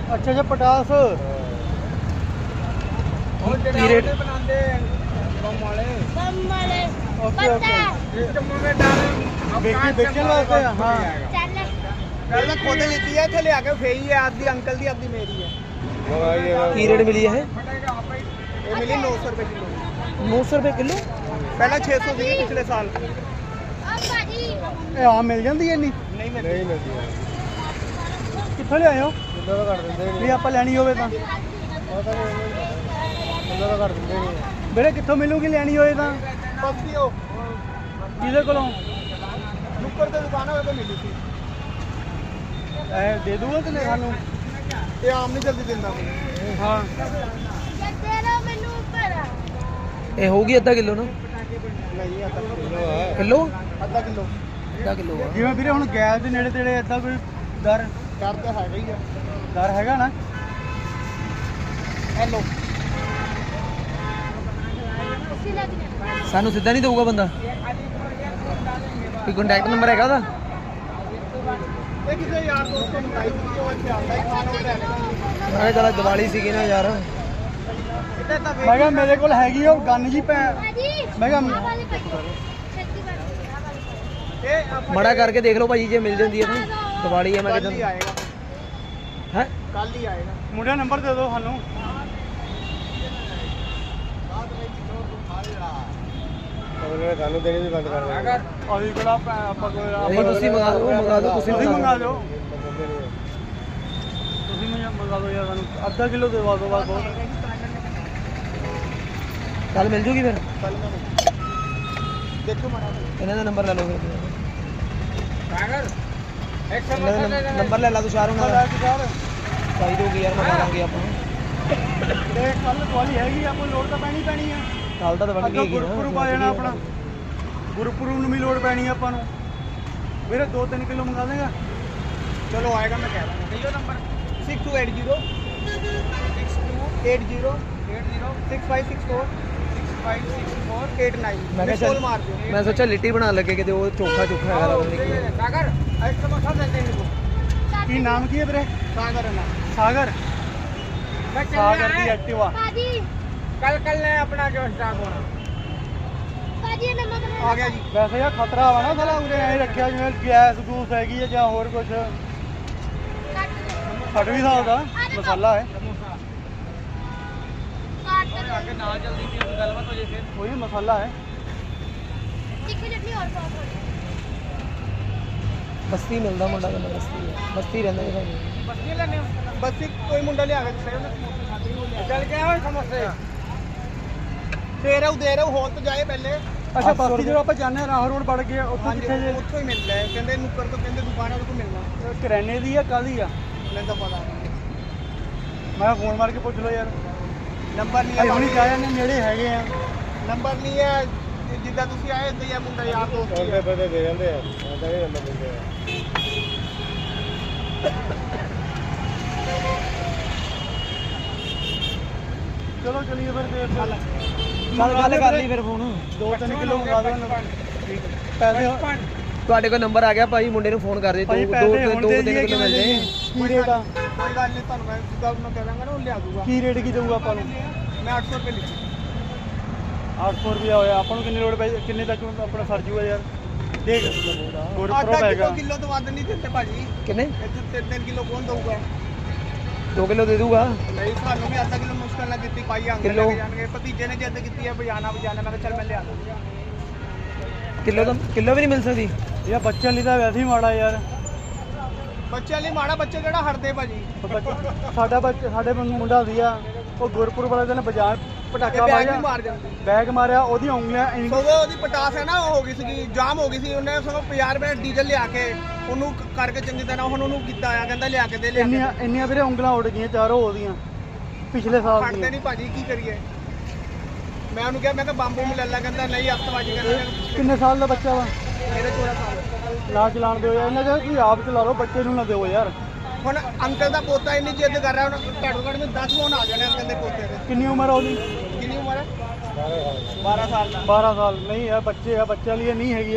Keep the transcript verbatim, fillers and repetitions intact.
अच्छा अच्छा पटास की रेट बनाते बम वाले बम वाले ओके ओके इस मुंह में डाल बेचे बेचने वास्ते हाँ चल पहले खुद लेती है थे ले आके फेई है आधी अंकल दी आधी मेरी है की रेट मिली है ये मिली नौ सौ रुपए किलो नौ सौ रुपये किलो पहले छह सौ थी पिछले साल अब भाजी ਇਹ ਆਮ ਮਿਲ ਜਾਂਦੀ ਐ ਇੰਨੀ नहीं मिली नहीं मिलती है ਕਿੱਥੋਂ ਲਿਆਏ ਹੋ किलो तो कर देंगे ਵੀ ਆਪਾਂ ਲੈਣੀ ਹੋਵੇ ਤਾਂ पता नहीं किलो तो कर देंगे नहीं ਵੀਰੇ ਕਿੱਥੋਂ ਮਿਲੂਗੀ ਲੈਣੀ ਹੋਏ ਤਾਂ बस्ती हो ਕਿਹਦੇ ਕੋਲੋਂ नुक्कड़ ते दुकान है तो मिली थी ਐ ਦੇ ਦੂਗਾ ਤੇ ਸਾਨੂੰ ये आम नहीं जल्दी दिंदा कोई ਹਾਂ दे लो मेनू ऊपर ये होगी आधा किलो ना नहीं आता किलो आधा किलो आधा किलो ਜਿਵੇਂ ਵੀਰੇ ਹੁਣ ਗੈਸ ਦੇ ਨੇੜੇ ਤੇੜੇ ਏਦਾਂ ਕੋਈ ਦਰ कर तो है ही है ਦਰ ਹੈਗਾ ਨਾ हेलो अच्छी लग रही ਸਾਨੂੰ ਸਿੱਧਾ ਨਹੀਂ ਦਊਗਾ ਬੰਦਾ ਕੋਈ ਕੰਟੈਕਟ ਨੰਬਰ ਹੈਗਾ ਉਹਦਾ ये किसी यार दोस्त को मंगाई थी वो अच्छे आता ही खाना उठा लेगा ਮੈਂ ਕਿਹਾ ਚੱਲ ਦੀਵਾਲੀ ਸੀਗੀ ਨਾ ਯਾਰ इतना तो ਮੈਂ ਕਿਹਾ ਮੇਰੇ ਕੋਲ ਹੈਗੀ ਉਹ ਗੰਨ ਜੀ ਪੈ भाजी मैं क्या- आ वाली पकड़ो छत्ती वाली आ वाली ये आप ਮੜਾ ਕਰਕੇ ਦੇਖ ਲਓ ਭਾਜੀ ਜੇ ਮਿਲ ਜਾਂਦੀ ਹੈ ਤਾਂ ਦੀਵਾਲੀ ਹੈ ਮੈਂ कल ही ਕਿਹਾ आएगा ਹੈ कल ही आएगा ਮੁੰਡਿਆ ਨੰਬਰ ਦੇ ਦਿਓ ਸਾਨੂੰ ਸਾਨੂੰ ਦੇਣੀ ਵੀ ਬੰਦ ਕਰ अगर ਅਸੀਂ ਕੋਲ ਆਪਾਂ ਆਪਾਂ ਕੋਲ ਨਹੀਂ ਤੁਸੀਂ ਮੰਗਾ ਦਿਓ ਮੰਗਾ ਦਿਓ ਤੁਸੀਂ ਤੁਸੀਂ ਮੰਗਾ ਦਿਓ ਦਿਓ ਤੁਸੀਂ ਮੈਨੂੰ ਮੰਗਾ ਦਿਓ ਯਾਰ ਸਾਨੂੰ ਅੱਧਾ ਕਿਲੋ ਦੇਵਾ ਦਿਓ ਬਸ ਬਹੁਤ ਕੱਲ ਮਿਲ ਜੂਗੀ ਫਿਰ कल में देखो मना ਇਹਨਾਂ ਦਾ ਨੰਬਰ ਲੈ ਲਓ ਫਿਰ अगर एक ਇਹਨਾਂ ਦਾ ਨੰਬ- ਨੰਬਰ ਲੈ ਲਾ ਤੂੰ ਸ਼ਾਰ ਉਹਨਾਂ ਦਾ ਚਾਹੀਦੀ ਹੋਗੀ ਯਾਰ ਮੰਗਾ ਲਾਂਗੇ ਆਪਾਂ ਤੇ ਕੱਲ ਦਿਵਾਲੀ ਹੈਗੀ ਆਪਾਂ ਲੋੜ ਤਾਂ ਪੈਣੀ ਪੈਣੀ ਆ ਕੱਲ ਤਾਂ ਬਣ ਅੱਗੇ ਗਈ ਗੁਰਪੁਰਬ ਆ ਜਾਣਾ ਆਪਣਾ ਗੁਰਪੁਰਬ ਨੂੰ ਵੀ ਲੋੜ ਪੈਣੀ ਆ ਆਪਾਂ ਨੂੰ ਵੀਰੇ ਦੋ ਤਿੰਨ ਕਿਲੋ ਮੰਗਾ ਦੇਗਾ चलो आएगा मैं कह रहा हूँ कहियो number six two eight zero six two eight zero eight zero six five six four six five six four eight nine ਮੈਂ ਕਿਹਾ कॉल ਚੱਲ मार दो ਮੈਂ ਸੋਚਿਆ ਲਿੱਟੀ ਬਣਾ ਲੱਗੇ ਕਿਤੇ ਉਹ ਚੋਖਾ ਚੋਖਾ ਹੈਗਾ ਲੱਗਦਾ ਨਹੀਂ सागर एक समोसा देते हैं इनको ਕੀ ਨਾਮ ਕੀ ਹੈ ਵੀਰੇ सागर है ना ਸਾਗਰ मैं ਸਾਗਰ ਦੀ ਐਕਟਿਵਾ भाजी कल कल ने अपना जो स्टार्ट होना भाजी नमक आ गया जी ਵੈਸੇ ਯਾਰ ਖਤਰਾ ਵਾ ਨਾ ਸਾਲਾ ਉਰੇ ਐ ਰੱਖਿਆ ਜਿਵੇਂ ਗੈਸ ਗੂਸ ਹੈਗੀ ਹੈ ਜਾਂ ਹੋਰ ਕੁਝ ਫਟ ਵੀ ਸਕਦਾ ਮਸਾਲਾ ਹੈ काट दो आगे ना जल्दी से गलबात हो जाए फिर ਉਹੀ ਮਸਾਲਾ ਹੈ तीखी चटनी और सॉस हो ਬਸਤੀ ਮਿਲਦਾ ਮੁੰਡਾ ਕਹਿੰਦਾ ਬਸਤੀ ਹੈ ਬਸਤੀ ਰਹਿੰਦਾ ਜੀ ਭਾਜੀ बस ये लेने बस एक कोई मुंडा ले आ गया चल के आओ समोसे दे रहा हूँ दे रहा हूँ हो तो जाए पहले ਅੱਛਾ ਬਸਤੀ ਜਦੋਂ ਆਪਾਂ ਜਾਂਦੇ ਹਾਂ ਰਾਹ ਰੋਡ ਵੜ ਗਏ ਉੱਥੋਂ हाँ जी ਕਿੱਥੇ ਜੇ उत्थों ही मिलता है कहते नुक्कड़ तो कहते दुकान है तो मिलना ਕਰਿਆਨੇ ਦੀ ਆ ਕਾਹਦੀ ਆ मैंने तो पता नहीं ਮੈਂ ਫੋਨ ਮਾਰ ਕੇ ਪੁੱਛ ਲਓ ਯਾਰ नंबर नहीं ਭਾਈ है ਹੁਣੀ ਜਾ ਜਾਂਦੇ ਨੇੜੇ ਹੈਗੇ ਆ नंबर नहीं है जिद्दां तुसी आए ते ये मुंडा यार दोस्त ही है। ਪਤਾ ਦੇ ਜਾਂਦੇ ਆ ਆਦਾ ਵੀ ਨੰਬਰ ਦਿੰਦੇ ਆ ਚਲੋ ਚਲੀਏ ਫਿਰ ਦੇਰ ਚੱਲ ਚੱਲ ਗੱਲ ਕਰ ਲਈ ਫਿਰ ਫੋਨ ਦੋ ਤਿੰਨ ਕਿਲੋ ਮੰਗਾ ਦਿਓ ਪੈਸੇ ਤੁਹਾਡੇ ਕੋਲ ਨੰਬਰ ਆ ਗਿਆ ਭਾਈ ਮੁੰਡੇ ਨੂੰ ਫੋਨ ਕਰ ਦੇ ਦੋ ਭਾਈ ਦੋ ਪੈਸੇ ਦੋ ਹੁਣ ਦੋ ਦੇ ਤਿੰਨ ਦਈਏ ਕਿਲੋ ਮਿਲ ਜਾਏ ਕੀ ਰੇਟ ਆ कोई गल नहीं ਤੁਹਾਨੂੰ मैं जिद्दां मैं कह दांगा ना वो ले दूंगा ਕੀ ਰੇਟ ਕੀ ਦਊਗਾ ਆਪਾਂ ਨੂੰ मैं आठ सौ रुपये लिखी ਅੱਠ ਸੌ ਰੁਪਇਆ ਹੋਇਆ ਆਪਾਂ ਨੂੰ ਕਿੰਨੀ ਲੋੜ ਪਈ ਕਿੰਨੇ ਤੱਕ ਆਪਣਾ ਸਰ ਜੂਗਾ ਯਾਰ ਦੇਖ ਗੁਰਪੁਰਬ आधा ਹੈਗਾ किलो किलो तो वध नहीं देते भाजी ਕਿੰਨੇ ਇੱਥੇ ਤਿੰਨ ਤਿੰਨ ਕਿਲੋ ਕੌਣ ਦਊਗਾ ਦੋ ਕਿਲੋ ਦੇ ਦੂਗਾ ਨਹੀਂ ਸਾਨੂੰ ਵੀ ਅੱਧਾ ਕਿਲੋ ਮੁਸ਼ਕਲ ਨਾਲ ਦਿੱਤੀ ਪਾਈ ਆਂਗੇ ਕਿੱਲੋ? ਲੈ ਕੇ ਜਾਣਗੇ ਭਤੀਜੇ ਨੇ ਜਿੱਦ ਕੀਤੀ ਹੈ ਬਜਾਣਾ ਬਜਾਣਾ ਮੈਂ ਕਿਹਾ ਚੱਲ ਮੈਂ ਲਿਆ ਦੂੰਗਾ ਕਿਲੋ ਤਾਂ ਕਿਲੋ ਵੀ ਨਹੀਂ ਮਿਲ ਸਕਦੀ ਯਾ ਬੱਚਿਆਂ ਲਈ ਤਾਂ ਵੈਸੇ ਹੀ ਮਾੜਾ ਯਾਰ ਬੱਚਿਆਂ ਲਈ ਮਾੜਾ ਬੱਚੇ ਕਿਹੜਾ ਹਟਦੇ ਭਾਜੀ ਉਹ ਬੱਚਾ- ਸਾਡਾ ਬੱਚਾ ਸਾਡੇ ਵਾਂਗੂ ਮੁੰਡਾ ਸੀਗਾ ਉਹ ਗੁਰਪੁਰ ਵਾਲੇ ਦਿਨ ਬਾਜ਼ਾਰ ਇਹ ਪਟਾਕਾ ਬੈਗ ਵੀ ਮਾਰਿਆ ਮਾਰ ਜਾਂਦੇ ਬੈਗ ਮਾਰਿਆ ਉਹਦੀਆਂ ਉਂਗਲੀਆਂ ਇੰਨੀ- ਸਗੋਂ ਉਹਦੀ ਪਟਾਸ ਹੈ ਨਾ ਉਹ ਹੋ ਗਈ ਸੀਗੀ ਜਾਮ ਹੋ ਗਈ ਸੀ ਉਹਨੇ ਸਗੋਂ ਪੰਜਾਹ ਰੁਪਏ ਦਾ ਡੀਜ਼ਲ ਲਿਆ ਕੇ ਉਹਨੂੰ ਕ- ਕਰਕੇ ਚੰਗੀ ਤਰ੍ਹਾਂ ਹੁਣ ਉਹਨੂੰ ਕੀਤਾ ਆ ਕਹਿੰਦਾ ਲਿਆ ਕੇ ਦੇ ਲਿਆ ਕੇ ਇੰਨੀਆਂ ਇੰਨੀਆਂ ਵੀਰੇ ਉਂਗਲਾਂ ਉੱਡ ਗਈਆਂ ਚਾਰੋਂ ਉਹਦੀਆਂ ਪਿਛਲੇ ਸਾਲ ਹਟਦੇ ਦੀਆਂ ਨਹੀਂ ਭਾਜੀ ਕੀ ਕਰੀਏ ਮੈਂ ਉਹਨੂੰ ਕਿਹਾ ਮੈਂ ਕਿਹਾ ਬੰਬੂ ਮਿਲ ਲੈ ਕਹਿੰਦਾ ਨਹੀਂ ਹਫਤਵਾਜੀ ਕਹਿੰਦਾ ਕਿੰਨੇ ਸਾਲ ਦਾ ਬੱਚਾ ਵਾ ਮੇਰੇ ਚੌਦਾਂ ਸਾਲ ਨਾ ਚਲਾਣ ਦਿਓ ਯਾਰ ਇਹਨਾਂ ਦਾ ਤੁਸੀਂ ਆਪ ਚਲਾ ਲਓ ਬੱਚੇ ਨੂੰ ਨਾ ਦਿਓ ਯਾਰ ਹੁਣ ਅੰਕਲ ਦਾ ਪੋਤਾ ਇੰਨੀ ਜਿੱਦ ਕਰ ਰਿਹਾ ਹੁਣ ਘੱਟੋ ਘੱਟ ਮੈਂ ਦਸ ਫੋਨ ਆ ਜਾਣੇ ਅੰਕਲ ਦੇ ਪੋਤੇ ਦੇ ਕਿੰਨੀ ਉਮਰ ਆ ਉਹਦੀ ਕਿੰਨੀ ਉਮਰ ਹੈ ਬਾਰਾਂ ਸਾਲ ਦਾ ਬਾਰਾਂ ਸਾਲ ਨਹੀਂ ਯਾਰ ਬੱਚੇ ਆ ਬੱਚਿਆਂ ਲਈ ਇਹ ਨਹੀਂ ਹੈਗੀ